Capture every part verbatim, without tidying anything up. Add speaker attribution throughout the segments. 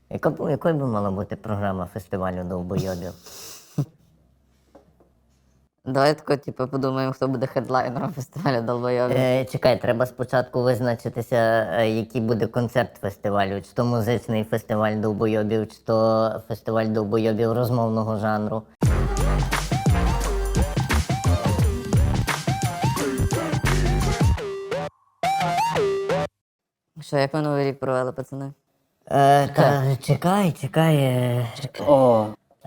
Speaker 1: Яка, б- якою би мала бути програма фестивалю довбойобів?
Speaker 2: Давай тако, типу, подумаємо, хто буде хедлайнером фестивалю долбойовів.
Speaker 1: Е, чекай, треба спочатку визначитися, е, який буде концерт фестивалю. Чи то музичний фестиваль довбойобів, чи то фестиваль довбойобів розмовного жанру.
Speaker 2: Що, як ви новий рік провели, пацани?
Speaker 1: Е, та, чекай, чекай. е,
Speaker 3: О,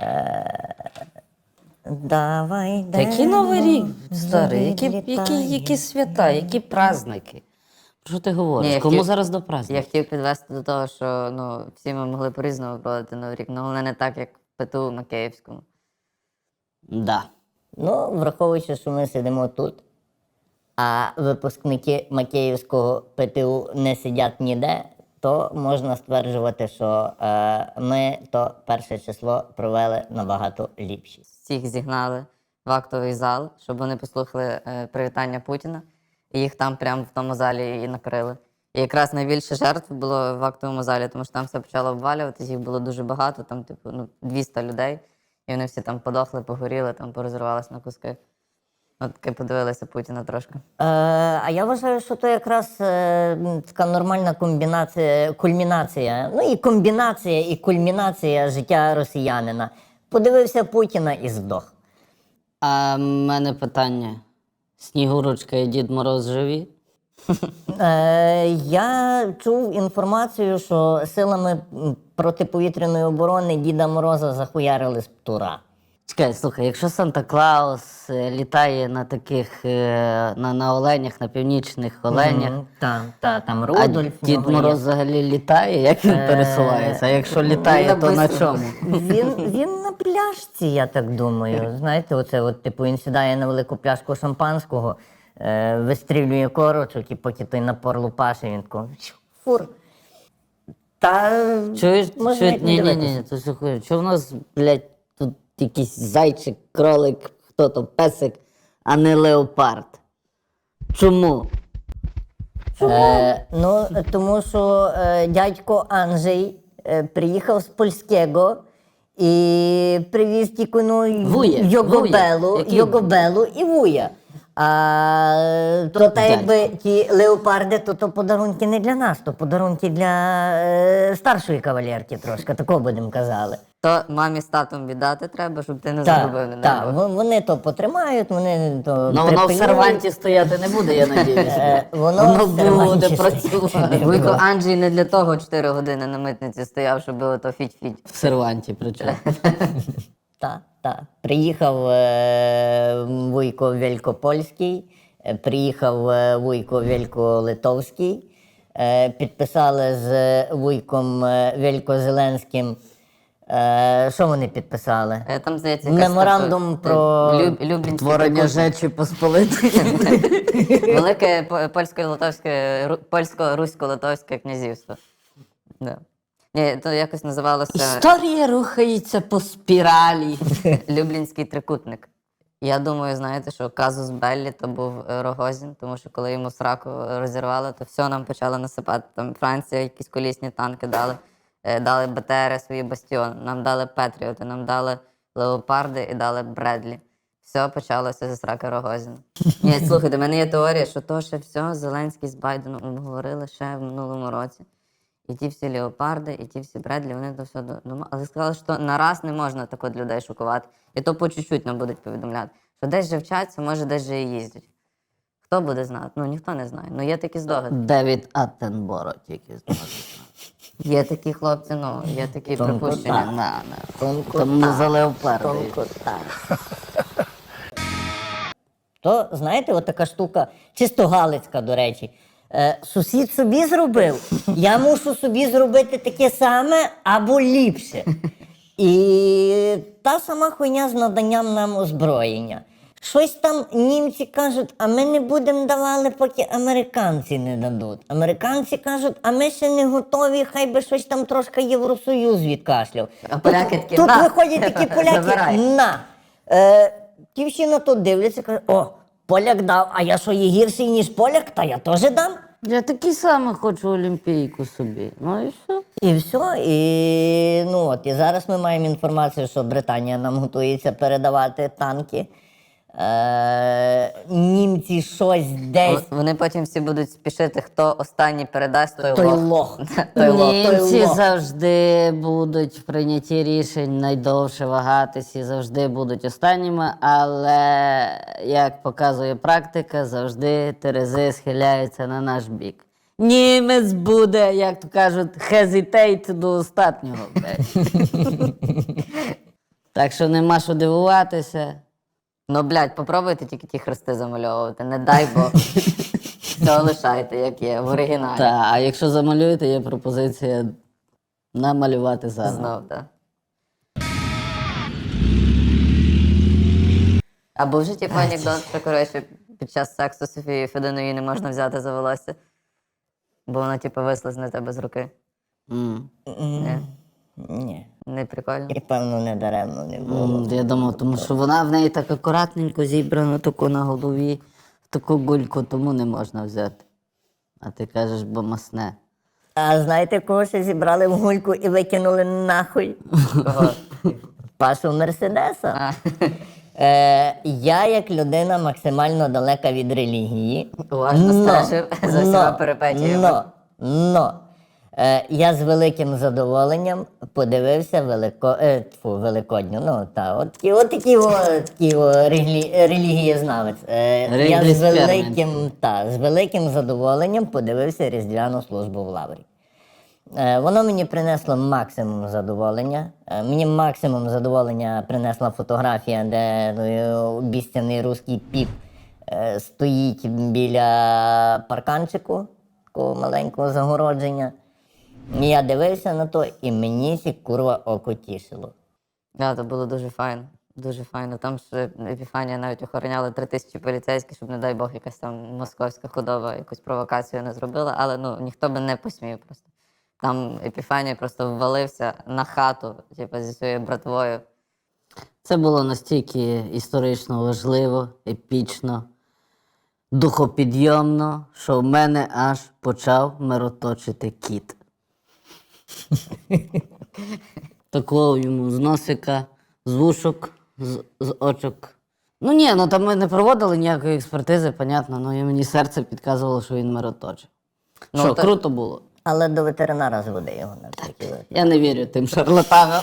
Speaker 1: Давай,
Speaker 3: та який новий рік,
Speaker 1: дерево
Speaker 3: старий, які,
Speaker 1: відлітає.
Speaker 3: які, які свята, які праздники. Про що ти говориш?
Speaker 2: Ні, я
Speaker 3: Кому
Speaker 2: хотів-
Speaker 3: зараз до
Speaker 2: Я
Speaker 3: праздників?
Speaker 2: хотів підвести до того, що ну, всі ми могли по-різному проводити новий рік, але не так, як в ПТУ на Київському.
Speaker 3: Да.
Speaker 1: Ну, враховуючи, що ми сидимо тут, а випускники Макеївського ПТУ не сидять ніде, то можна стверджувати, що е, ми то перше число провели набагато ліпше.
Speaker 2: Всіх зігнали в актовий зал, щоб вони послухали е, привітання Путіна, і їх там прямо в тому залі і накрили. І якраз найбільше жертв було в актовому залі, тому що там все почало обвалюватись, їх було дуже багато, там, типу, ну, двісті людей, і вони всі там подохли, погоріли, там порозривалися на куски. От таки подивилися Путіна трошки.
Speaker 1: Е, а я вважаю, що то якраз е, м, така нормальна комбінація, кульмінація, ну і комбінація, і кульмінація життя росіянина. Подивився Путіна і здох.
Speaker 3: А в мене питання. Снігурочка і Дід Мороз живі?
Speaker 1: Е, я чув інформацію, що силами м, протиповітряної оборони Діда Мороза захуярили з птура.
Speaker 3: Чекай, слухай, якщо Санта-Клаус е, літає на таких, е, на, на оленях, на північних оленях,
Speaker 1: Мгм, Та, та, там
Speaker 3: а
Speaker 1: Рудольф. в
Speaker 3: Дід
Speaker 1: нього є.
Speaker 3: Мороз взагалі літає, як він пересувається? А якщо літає, то на чому?
Speaker 1: Він, він на пляшці, я так думаю. Знаєте, оце от, типу, він сідає на велику пляшку шампанського, е, вистрілює корочок, і поки той напор лупаше, він тако «Щу, фур. Та
Speaker 3: Чуєш?
Speaker 1: можна
Speaker 3: Чуєш?
Speaker 1: як не
Speaker 3: Ні, ні,
Speaker 1: дивитися.
Speaker 3: ні, то слухай, що в нас, блядь, тут якийсь зайчик, кролик, хто то, песик, а не леопард? Чому?
Speaker 1: Е, ну, тому що е, дядько Анджей е, приїхав з польського і привіз тільки ну,
Speaker 3: Вуя,
Speaker 1: Йогобелу,
Speaker 3: вуя. Який?
Speaker 1: Йогобелу і вуя. А то та якби ті леопарди, то, то подарунки не для нас, то подарунки для е, старшої кавалерки трошки, такого будемо казали.
Speaker 2: То мамі з татом віддати треба, щоб ти не загубив, не
Speaker 1: Так,
Speaker 2: дай
Speaker 1: так,
Speaker 2: Бог.
Speaker 1: вони то потримають, вони то
Speaker 3: Ну воно в
Speaker 1: припильнують.
Speaker 3: серванті стояти не буде, я надіюся.
Speaker 1: Е, воно
Speaker 3: Воно
Speaker 1: в серванті
Speaker 3: буде
Speaker 1: стояти
Speaker 3: працювати.
Speaker 1: не
Speaker 2: Вуйко Анджій не для того чотири години на митниці стояв, щоб ото фіть-фіть.
Speaker 3: В серванті причому.
Speaker 1: Так, так. Приїхав е, Вуйко Великопольський, е, приїхав е, Вуйко Великолитовський, е, підписали з Вуйком е, Великозеленським. Е, що вони підписали?
Speaker 2: Е, Там, здається, якась
Speaker 1: Меморандум
Speaker 2: така,
Speaker 1: про
Speaker 2: е, Люб, Люблінський
Speaker 3: Творення
Speaker 2: трикутник.
Speaker 3: Жечі Посполитої.
Speaker 2: Велике по- польсько-литовське, ру- польсько-русько-литовське князівство. Да. Ні, то якось називалося
Speaker 3: Історія рухається по спіралі.
Speaker 2: Люблінський трикутник. Я думаю, знаєте, що казус Беллі то був е, Рогозін, тому що коли йому сраку розірвали, то все нам почало насипати. Там Франція якісь колісні танки дали, е, дали БТРи, свої бастіони, нам дали Петріоти, нам дали Леопарди і дали Бредлі. Все почалося зі сраки Рогозіна. Ні, слухайте, в мене є теорія, що то ще все Зеленський з Байденом обговорили ще в минулому році. І ті всі леопарди, і ті всі Бредлі, вони то все до- дома. Але сказали, що на раз не можна так от людей шокувати. І то по чуть-чуть нам будуть повідомляти. Що десь же вчаться, може десь же і їздять. Хто буде знати? Ну ніхто не знає. Ну є такі здогади.
Speaker 3: Девід Аттенборо тільки знає.
Speaker 2: Є такі хлопці, ну, є такі
Speaker 1: Тонко
Speaker 2: припущення.
Speaker 3: На, на. Тому за леопарди.
Speaker 1: То, знаєте, от така штука, чисто галицька, до речі. Е, сусід собі зробив, я мушу собі зробити таке саме або ліпше. І та сама хуйня з наданням нам озброєння. Щось там німці кажуть, а ми не будемо давали, поки американці не дадуть. Американці кажуть, а ми ще не готові, хай би щось там трошки Євросоюз відкашляв.
Speaker 2: А поляки такі,
Speaker 1: Тут
Speaker 2: «На,
Speaker 1: виходять такі поляки,
Speaker 2: забирай».
Speaker 1: на. Е, ті всі на то дивляться, кажуть, о, поляк дав, а я що, є гірший, ніж поляк, та я теж дам.
Speaker 3: Я такий самий хочу олімпійку собі. Ну і все.
Speaker 1: І все. І, ну, от, і зараз ми маємо інформацію, що Британія нам готується передавати танки. Е, німці щось десь.
Speaker 2: Вони потім всі будуть спішити, хто останній передасть, той,
Speaker 1: Той
Speaker 2: лох.
Speaker 1: лох.
Speaker 2: Той лох.
Speaker 3: Німці
Speaker 1: лох.
Speaker 3: завжди будуть в прийнятті рішень найдовше вагатись і завжди будуть останніми, але, як показує практика, завжди терези схиляються на наш бік. Німець буде, як то кажуть, hesitate до останнього. блядь. Так що нема що дивуватися.
Speaker 2: Ну, блядь, попробуйте тільки ті хрести замальовувати, не дай Бог. Все лишайте, як є, в оригіналі.
Speaker 3: Та, а якщо замалюєте, є пропозиція намалювати заново.
Speaker 2: Знов, так. А був же типу анекдот, що, коротше, під час сексу Софії Фединої не можна взяти за волосся, бо вона, типу, вислизне тебе з руки.
Speaker 3: М.
Speaker 2: Ні,
Speaker 1: Ні.
Speaker 2: не прикольно.
Speaker 1: І певно не даремно не було.
Speaker 3: М, Я думав, тому що вона в неї так акуратненько зібрана, таку на голові, таку гульку, тому не можна взяти. А ти кажеш, бо масне.
Speaker 1: А знаєте, кого ще зібрали в гульку і викинули нахуй?
Speaker 2: Кого?
Speaker 1: Пашу Мерседеса.
Speaker 2: А,
Speaker 1: Е, я, як людина максимально далека від релігії,
Speaker 2: уважно
Speaker 1: но-
Speaker 2: стежив за всіма перипетіями.
Speaker 1: Но, но, е, я з великим задоволенням подивився велико, е, тьфу, Великодню. Ну, та, от, такі- от такі, о, такі о, релі, релігієзнавець. Е, я
Speaker 3: Релігійний
Speaker 1: з
Speaker 3: експеримент.
Speaker 1: великим, та, з великим задоволенням подивився Різдвяну службу в Лаврі. Е, Воно мені принесло максимум задоволення. Е, Мені максимум задоволення принесла фотографія, де е, обіцяний руський піп е, стоїть біля парканчику, такого маленького загородження. І я дивився на то, і мені сі курва око тішило.
Speaker 2: Да, це було дуже файно. Дуже файно. Там ж Епіфанія навіть охороняли три тисячі поліцейських, щоб, не дай Бог, якась там московська худоба якусь провокацію не зробила, але ну ніхто би не посмів просто. Там Епіфанія просто ввалився на хату, типу, зі своєю братвою.
Speaker 3: Це було настільки історично важливо, епічно, духопідйомно, що в мене аж почав мироточити кіт. Такого йому з носика, з вушок, з, з очок. Ну ні, ну там ми не проводили ніякої експертизи, понятно, ну і мені серце підказувало, що він мироточив.
Speaker 2: Ну,
Speaker 3: що,
Speaker 2: та-
Speaker 3: круто було.
Speaker 1: Але до ветеринара зводи його на всякий випадок.
Speaker 3: Я не вірю тим шарлатанам.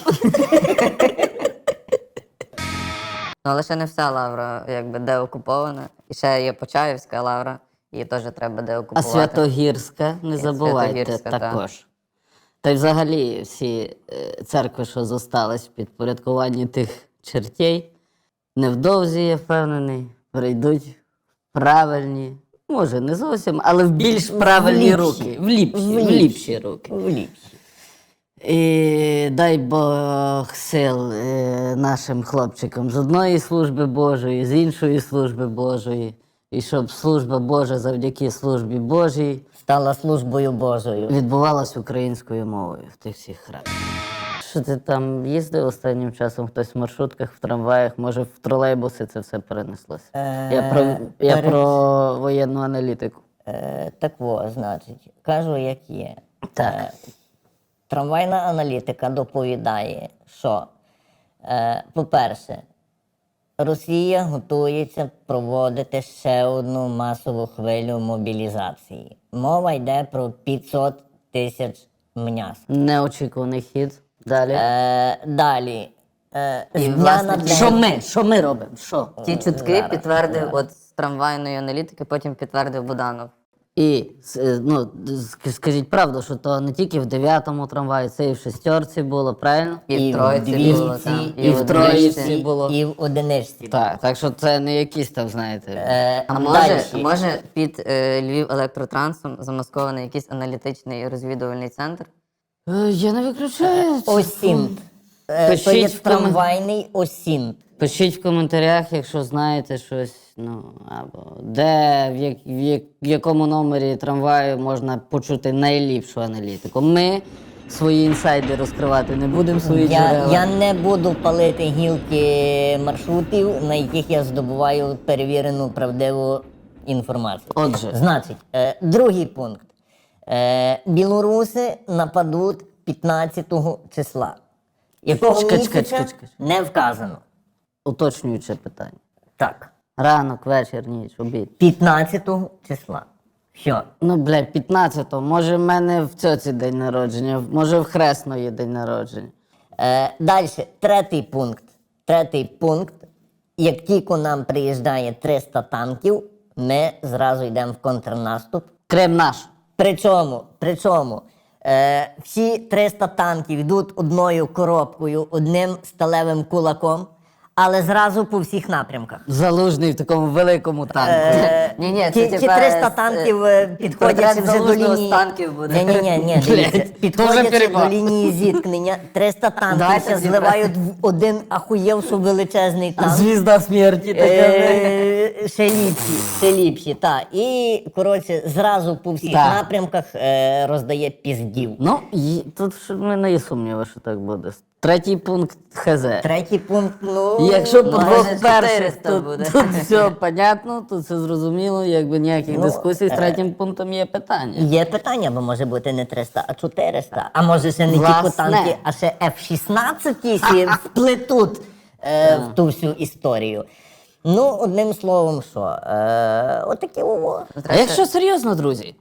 Speaker 2: Ну, але ще не вся лавра якби деокупована. І ще є Почаївська лавра, її теж треба
Speaker 3: А
Speaker 2: деокупувати.
Speaker 3: Святогірська, не забувайте
Speaker 2: Святогірська, так.
Speaker 3: також. Та й взагалі всі е, церкви, що зостались в підпорядкуванні тих чертей, невдовзі, я впевнений, перейдуть в правильні, може не зовсім, але в більш правильні
Speaker 1: ліпші.
Speaker 3: руки. В ліпші,
Speaker 1: В
Speaker 3: в
Speaker 1: ліпші.
Speaker 3: ліпші руки.
Speaker 1: В ліпші.
Speaker 3: І дай Бог сил е, нашим хлопчикам з одної служби Божої, з іншої служби Божої. І щоб служба Божа завдяки службі Божій
Speaker 1: Стала службою Божою.
Speaker 3: відбувалась українською мовою в тих всіх храмах. Що ти там їздив останнім часом? Хтось в маршрутках, в трамваях, може в тролейбуси це все перенеслося?
Speaker 1: Е,
Speaker 3: Я про, я
Speaker 1: пере-
Speaker 3: про воєнну аналітику.
Speaker 1: Е, так во, значить, кажу, як є.
Speaker 3: Так.
Speaker 1: Е, трамвайна аналітика доповідає, що, е, по-перше, Росія готується проводити ще одну масову хвилю мобілізації. Мова йде про п'ятсот тисяч м'яс.
Speaker 3: Неочікуваний хід. Далі.
Speaker 1: Е, далі. Е, з
Speaker 2: І,
Speaker 1: дня
Speaker 2: власне,
Speaker 1: на день.
Speaker 3: Що ми? Що ми робимо? Що?
Speaker 2: Ті чутки
Speaker 1: Зараз,
Speaker 2: підтвердив от з трамвайної аналітики, потім підтвердив Буданов.
Speaker 3: І с- е, ну, ск- скажіть правду, що то не тільки в дев'ятому трамваї, це і в шестерці було, правильно?
Speaker 2: І, в Троїці
Speaker 1: двісті,
Speaker 2: було там,
Speaker 3: і в Троїці
Speaker 1: і-
Speaker 3: було.
Speaker 1: І в одиничці.
Speaker 3: Так, так що це не якісь там, знаєте.
Speaker 1: Е,
Speaker 2: А може,
Speaker 1: дальші.
Speaker 2: може під е, Львів електротрансом замаскований якийсь аналітичний розвідувальний центр?
Speaker 3: Е, Я не виключаю.
Speaker 1: Осінт. Е, То
Speaker 3: Пишіть
Speaker 1: є
Speaker 3: в комен-
Speaker 1: трамвайний осінт.
Speaker 3: Пишіть в коментарях, якщо знаєте щось, ну, або де, в, як, в, як, в якому номері трамваю можна почути найліпшу аналітику. Ми свої інсайди розкривати не будемо, свої
Speaker 1: Я,
Speaker 3: джерела.
Speaker 1: я не буду палити гілки маршрутів, на яких я здобуваю перевірену правдиву інформацію.
Speaker 3: Отже.
Speaker 1: Значить, е, другий пункт. Е, білоруси нападуть п'ятнадцятого числа. Якого
Speaker 3: Чекай,
Speaker 1: місяця
Speaker 3: чекай, чекай, чекай.
Speaker 1: не вказано.
Speaker 3: Уточнююче питання.
Speaker 1: Так.
Speaker 3: Ранок, вечір, ніч, обід.
Speaker 1: п'ятнадцятого числа. Все.
Speaker 3: Ну, блядь, п'ятнадцятого. Може, в мене в цьоці день народження, може, в Хресної день народження.
Speaker 1: Е, Далі, третій пункт. Третій пункт. Як тільки нам приїжджає триста танків, ми зразу йдемо в контрнаступ.
Speaker 3: Крим наш.
Speaker 1: Причому, причому е, всі триста танків йдуть одною коробкою, одним сталевим кулаком, але зразу по всіх напрямках.
Speaker 3: Залужний в такому великому танку.
Speaker 1: Е,
Speaker 2: Ні-ні, це
Speaker 1: ті, ті
Speaker 2: типа,
Speaker 1: триста
Speaker 2: е,
Speaker 1: танків е, підходять
Speaker 2: портрет
Speaker 1: вже до
Speaker 2: Залужного
Speaker 1: лінії.
Speaker 2: з танків буде.
Speaker 1: Ні, ні, ні, ні, дивіться,
Speaker 3: Блядь,
Speaker 1: підходять
Speaker 3: дуже
Speaker 1: до
Speaker 3: перебор.
Speaker 1: лінії зіткнення. триста танків
Speaker 2: Давайте
Speaker 1: ще
Speaker 2: зібрати.
Speaker 1: зливають в один ахуєвший величезний танк.
Speaker 3: Звізда смерті така.
Speaker 1: Е, Ще ліпші, ще ліпші, так. І, коротше, зразу по всіх
Speaker 3: Так.
Speaker 1: напрямках е, роздає піздів.
Speaker 3: Ну, і, тут ж в мене є сумніви, що так буде. Третій пункт ХЗ.
Speaker 1: Третій пункт, ну...
Speaker 3: Якщо по
Speaker 1: майже
Speaker 3: двох
Speaker 1: чотири.
Speaker 3: перших,
Speaker 2: чотириста
Speaker 3: тут,
Speaker 2: буде.
Speaker 3: тут все понятно, тут все зрозуміло, якби ніяких
Speaker 1: Ну,
Speaker 3: дискусій з
Speaker 1: е,
Speaker 3: третім пунктом є питання.
Speaker 1: Є питання, бо може бути не триста, а чотириста. А може ще не
Speaker 3: Власне.
Speaker 1: тільки танки, а ще еф шістнадцять сі вплетуть е, в ту всю історію. Ну, одним словом, що, е, отакі ово.
Speaker 3: А якщо серйозно, друзі,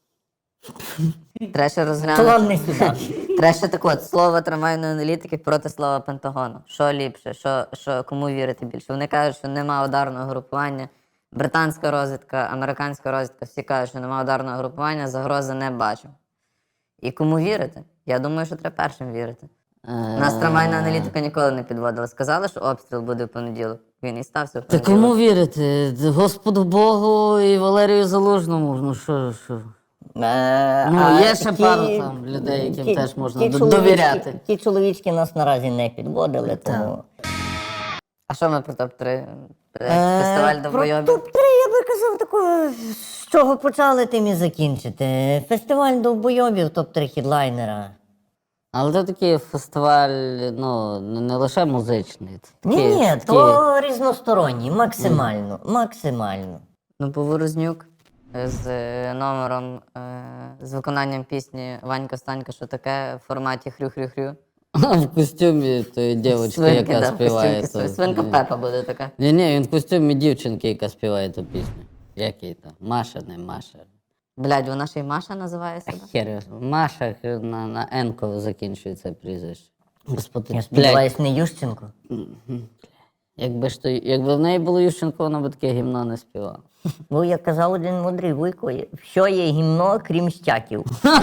Speaker 2: Треба ще розглянути.
Speaker 1: План не сюди.
Speaker 2: Треба ще так от, слово трамвайної аналітики проти слова Пентагону. Що ліпше, що, що, кому вірити більше? Вони кажуть, що нема ударного групування. Британська розвідка, американська розвідка, всі кажуть, що нема ударного групування, загрози не бачу. І кому вірити? Я думаю, що треба першим вірити. Нас трамвайна аналітика ніколи не підводила. Сказали, що обстріл буде в понеділок. Він і стався в
Speaker 3: та
Speaker 2: понеділок.
Speaker 3: кому вірити? Господу Богу і Валерію Залужному. Ну що, що?
Speaker 1: Е,
Speaker 3: Ну,
Speaker 1: а
Speaker 3: є ще
Speaker 1: ті-
Speaker 3: пару там людей, яким
Speaker 1: ті-
Speaker 3: теж можна
Speaker 1: ті
Speaker 3: до-
Speaker 1: чоловічки-
Speaker 3: довіряти.
Speaker 1: Ті чоловічки нас наразі не підводили, тому...
Speaker 2: А що ми про топ-три?
Speaker 1: Е,
Speaker 2: Фестиваль
Speaker 1: Про
Speaker 2: довбойобів?
Speaker 1: топ-три я би казав такого, з чого почали, тим і закінчити. Фестиваль довбойобів, топ-три хідлайнера.
Speaker 3: Але це такий фестиваль, ну, не не лише музичний. Це
Speaker 1: Ні,
Speaker 3: такий,
Speaker 1: ні,
Speaker 3: такий-
Speaker 1: то різносторонній, максимально, максимально.
Speaker 2: Ну, Поворознюк з е, номером, е, з виконанням пісні Ванька Станька, що таке в форматі хрю-хрю-хрю.
Speaker 3: В костюмі тої дівчинки,
Speaker 2: Свинки,
Speaker 3: яка
Speaker 2: да,
Speaker 3: співає.
Speaker 2: костюмки,
Speaker 3: ту-
Speaker 2: Свинка Пепа буде така.
Speaker 3: Ні, ні, він в костюмі дівчинки, яка співає ту пісню. Як її там? Маша, не Маша.
Speaker 2: Блядь, вона ще й Маша називає себе.
Speaker 3: Хер, його знає. Маша на, на Енко закінчується прізвище. Господи,
Speaker 1: Я
Speaker 3: блядь,
Speaker 1: сподіваюсь, не Ющенко.
Speaker 3: якби ж то, якби в неї було Ющенко, вона б таке гімно не співала.
Speaker 1: Бо, як казав один мудрий вуйко, що є гімно, крім щаків.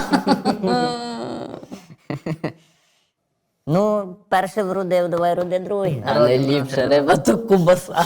Speaker 1: Ну, перше вродив, давай роди друге.
Speaker 3: А найліпша риба то кубаса.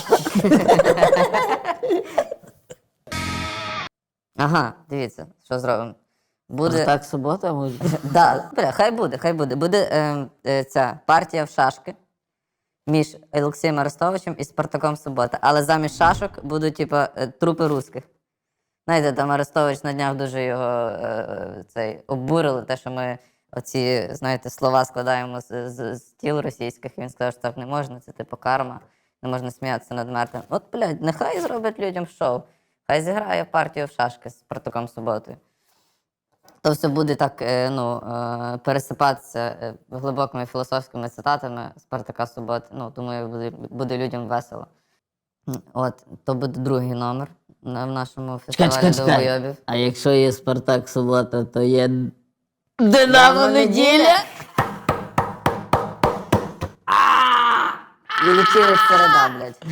Speaker 2: Ага, дивіться, що зробимо. Буде.
Speaker 3: Так, субота може.
Speaker 2: Да, бля, хай буде, хай буде. Буде е, е, ця партія в шашки між Олексієм Арестовичем і Спартаком Субота. Але замість шашок будуть, типа, е, трупи русських. Знаєте, там Арестович на днях дуже його е, цей, обурили, те, що ми оці, знаєте, слова складаємо з, з, з тіл російських. І він сказав, що так не можна, це типу карма, не можна сміятися над мертвим. От, блядь, нехай зроблять людям шоу. Хай зіграє партію в шашки з Спартаком Суботою. То все буде так, е, ну, е, пересипатися е, глибокими філософськими цитатами Спартака Суботи. Ну, думаю, буде, буде людям весело. М, От, то буде другий номер на, в нашому
Speaker 3: Чекай,
Speaker 2: фестивалі
Speaker 3: чекай, чекай.
Speaker 2: довбойобів.
Speaker 3: А якщо є Спартак субота, то є Динамо неділя.
Speaker 2: І летіли середа, блядь.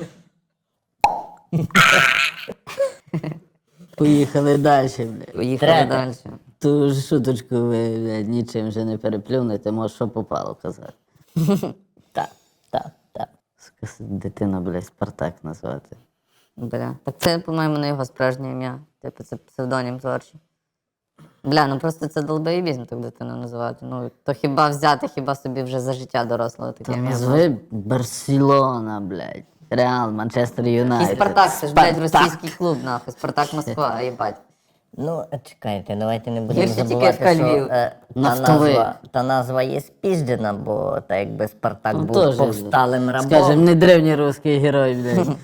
Speaker 3: Поїхали далі, блядь.
Speaker 2: Поїхали
Speaker 1: Треба.
Speaker 2: далі.
Speaker 3: Ту ж шуточку ви, блядь, нічим вже не переплюнете, може, що попало казати.
Speaker 1: Так, так, так.
Speaker 3: Сука, дитина, блядь, Спартак назвати.
Speaker 2: Бля. Так це, по-моєму, не його справжнє ім'я. Типу, це псевдонім творчий. Бля, ну просто це долбоєбізм так дитину називати. Ну, то хіба взяти, хіба собі вже за життя дорослого таке
Speaker 3: Та
Speaker 2: ім'я.
Speaker 3: назви Барселона, блядь. Реал, Манчестер
Speaker 2: І
Speaker 3: Юнайтед.
Speaker 2: Спартак, це ж, блядь,
Speaker 3: Спартак.
Speaker 2: російський клуб, нахуй. Спартак Москва, їбать.
Speaker 1: Ну, чекайте, давайте не будемо
Speaker 2: Гірше тільки
Speaker 1: забувати,
Speaker 2: ФК
Speaker 1: що
Speaker 2: Львів.
Speaker 1: е, та,
Speaker 3: Нафтовий.
Speaker 1: назва, та назва є спіждена, бо так якби Спартак
Speaker 3: Ну,
Speaker 1: був
Speaker 3: теж,
Speaker 1: повсталим рабом.
Speaker 3: Скажем, не древній русський герой, блядь.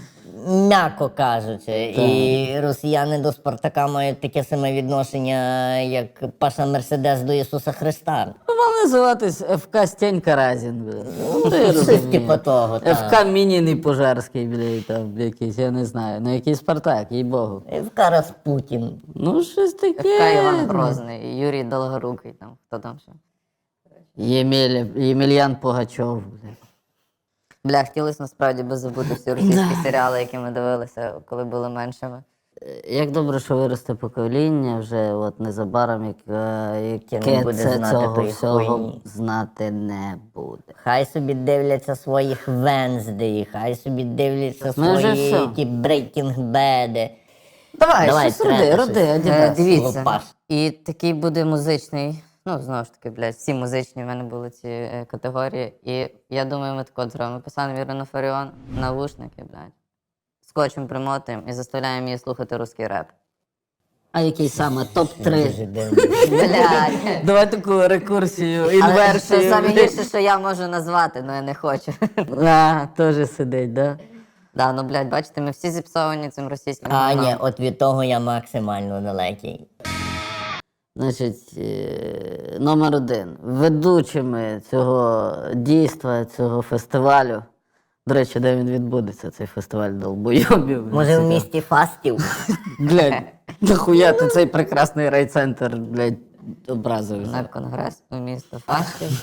Speaker 1: м'яко кажучи. І росіяни до Спартака мають таке саме відношення, як Паша Мерседес до Ісуса Христа.
Speaker 3: Ну, мав називатись еф ка Стенька Разін, бля. Ну, ти
Speaker 1: Щось
Speaker 3: розумієш.
Speaker 1: типу того, так.
Speaker 3: еф ка Мініний Пожарський, бля, там якийсь, я не знаю. Ну, який Спартак, їй-богу.
Speaker 1: Евка Распутін.
Speaker 3: Ну, щось таке.
Speaker 2: Ка Іван Грозний, Юрій Долгорукий, там, хто там ще.
Speaker 3: Ємеля, Ємельян Пугачов, бля.
Speaker 2: Бля, хотілося насправді би забути всі російські серіали, які ми дивилися, коли були меншими.
Speaker 3: Як добре, що виросте покоління вже от незабаром, яке, яке
Speaker 1: не буде
Speaker 3: це
Speaker 1: знати
Speaker 3: цього
Speaker 1: тої
Speaker 3: всього
Speaker 1: хуйні.
Speaker 3: знати не буде.
Speaker 1: Хай собі дивляться своїх Венздей, хай собі дивляться
Speaker 3: Ми вже
Speaker 1: свої
Speaker 3: все.
Speaker 1: ті Breaking Bad.
Speaker 3: Давай,
Speaker 1: Давай,
Speaker 3: щось роди,
Speaker 1: треба
Speaker 3: роди,
Speaker 1: щось.
Speaker 2: Е,
Speaker 3: Адідас.
Speaker 2: Дивіться,
Speaker 1: Лопаш.
Speaker 2: і такий буде музичний, ну, знову ж таки, блядь, всі музичні в мене були ці е, категорії. І я думаю, ми тако зробимо. Ми посадимо Ірину Фаріон, навушники, блядь, скотчем примотуємо і заставляємо її слухати русський реп.
Speaker 3: А який саме топ три?
Speaker 1: Дуже дивно.
Speaker 2: Блядь.
Speaker 3: Давай таку рекурсію,
Speaker 2: Але
Speaker 3: інверсію.
Speaker 2: це саме гірше, що я можу назвати, але я не хочу.
Speaker 3: А, теж сидить, да?
Speaker 2: Да, ну, блядь, бачите, ми всі зіпсовані цим російським
Speaker 1: А,
Speaker 2: говном.
Speaker 1: ні, от від того я максимально далекий.
Speaker 3: Значить, е, номер один. Ведучими цього дійства, цього фестивалю. До речі, де він відбудеться, цей фестиваль долбойобів.
Speaker 1: Може, в місті Фастів?
Speaker 3: Блядь, нахуя ти цей прекрасний райцентр, блядь, образив.
Speaker 2: На конгрес у місто Фастів.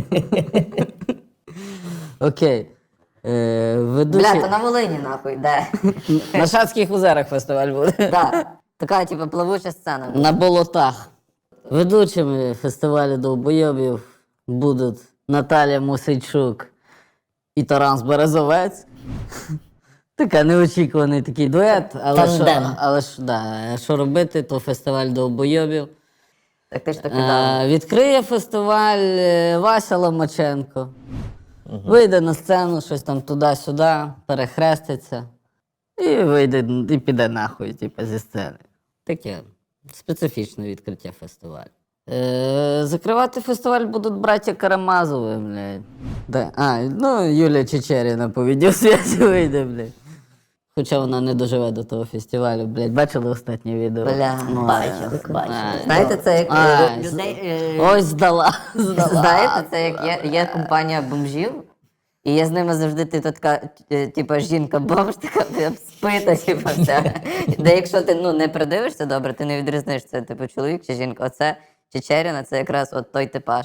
Speaker 3: Окей. Е, ведучий...
Speaker 2: Бля, то на Волині, нахуй, де?
Speaker 3: На Шацьких озерах фестиваль буде.
Speaker 2: Да. Така, типу, плавуча сцена.
Speaker 3: На болотах. Ведучими фестивалю довбойобів будуть Наталя Мосейчук і Таранс Березовець. Така неочікуваний такий дует, але що,
Speaker 1: Тандем.
Speaker 3: але ж, да, що робити, то фестиваль довбойобів.
Speaker 2: Так ти ж таки дав.
Speaker 3: Е, відкриє фестиваль е, Вася Ломаченко. Вийде на сцену, щось там туди-сюди, перехреститься. І вийде, і піде нахуй, типу, зі сцени. Таке специфічне відкриття фестивалю. Е, закривати фестиваль будуть браття Карамазови, блядь. Да. А, ну, Юлія Чечеріна по відеосвязі вийде, блядь. Хоча вона не доживе до того фестивалю, блядь. Бачили останнє відео?
Speaker 2: Бля,
Speaker 3: Ну,
Speaker 1: бачили,
Speaker 3: а,
Speaker 1: бачили.
Speaker 3: а,
Speaker 2: Знаєте, це як
Speaker 3: А,
Speaker 2: е, людей. е,
Speaker 3: Ось здала. здала.
Speaker 2: Знаєте, це як є, є компанія бомжів, і є з ними завжди ти то така, е, типа, жінка-бомж, така е, спита, типа, вся. Де якщо ти ну, не придивишся добре, ти не відрізниш, це типу чоловік чи жінка. Оце Чечеріна, це якраз от той типаж.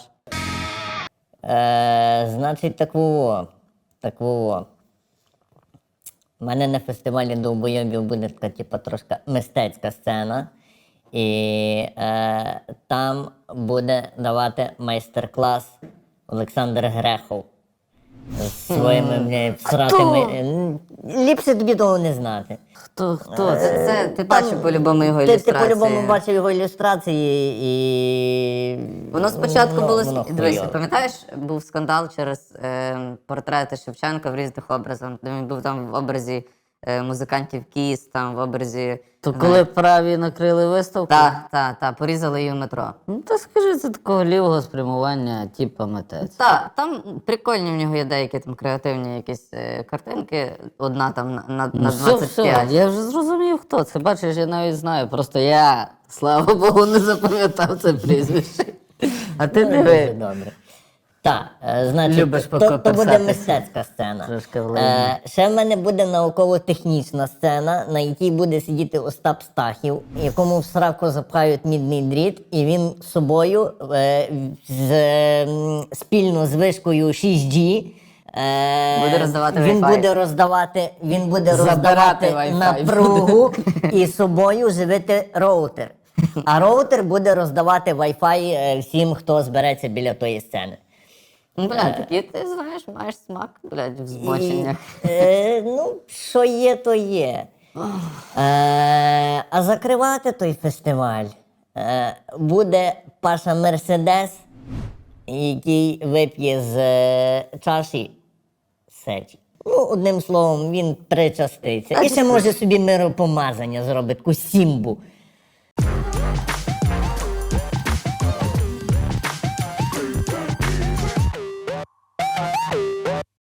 Speaker 1: Е, значить, так во, так во. У мене на фестивалі довбойобів буде така, типу, трошки мистецька сцена. І е, там буде давати майстер-клас Олександр Грехов з своїми бля, всратими. М, Ліпше тобі того не знати.
Speaker 3: Хто, хто
Speaker 2: Це,
Speaker 3: це?
Speaker 2: це ти бачив по-любому його
Speaker 1: Ти, ти
Speaker 2: ілюстрації.
Speaker 1: по-любому бачив його ілюстрації і.
Speaker 2: Воно спочатку
Speaker 1: воно-
Speaker 2: було
Speaker 1: воно
Speaker 2: дивись,
Speaker 1: хуйове.
Speaker 2: пам'ятаєш, був скандал через е, портрети Шевченка в різних образах. Він був там в образі е, музикантів Кіс, там в образі.
Speaker 3: То коли праві накрили виставку?
Speaker 2: Так, так, так, порізали її в метро.
Speaker 3: Ну, та скажи, це такого лівого спрямування, типа митець.
Speaker 2: Так, там прикольні в нього є деякі там креативні якісь е, картинки. Одна там на, на,
Speaker 3: Ну,
Speaker 2: на
Speaker 3: все,
Speaker 2: двадцять
Speaker 3: все,
Speaker 2: п'ять.
Speaker 3: я вже зрозумів, хто це. Бачиш, я навіть знаю. Просто я, слава Богу, не запам'ятав це прізвище. А ти
Speaker 1: Дуже
Speaker 3: диви.
Speaker 1: добре. Так, е, значить,
Speaker 3: Любиш
Speaker 1: то, то буде
Speaker 3: покоперсатися.
Speaker 1: мистецька сцена.
Speaker 3: Трошки влине.
Speaker 1: Е, ще в мене буде науково-технічна сцена, на якій буде сидіти Остап Стахів, якому в сраку запхають мідний дріт, і він з собою е, з, е, м, спільно з вишкою шість джі е,
Speaker 2: Буде роздавати
Speaker 1: він
Speaker 2: Wi-Fi.
Speaker 1: буде роздавати, він буде
Speaker 3: Забирати
Speaker 1: роздавати
Speaker 3: Wi-Fi.
Speaker 1: напругу і з собою живити роутер. А роутер буде роздавати Wi-Fi е, всім, хто збереться біля тої сцени.
Speaker 2: Ну, бля, такі ти знаєш, маєш смак, блядь, в збоченнях.
Speaker 1: І, е, ну, що є, то є. Е, а закривати той фестиваль е, буде Паша Мерседес, який вип'є з е, чаші сечі. Ну, одним словом, він причаститься. І ще може собі миропомазання зробить, таку сімбу.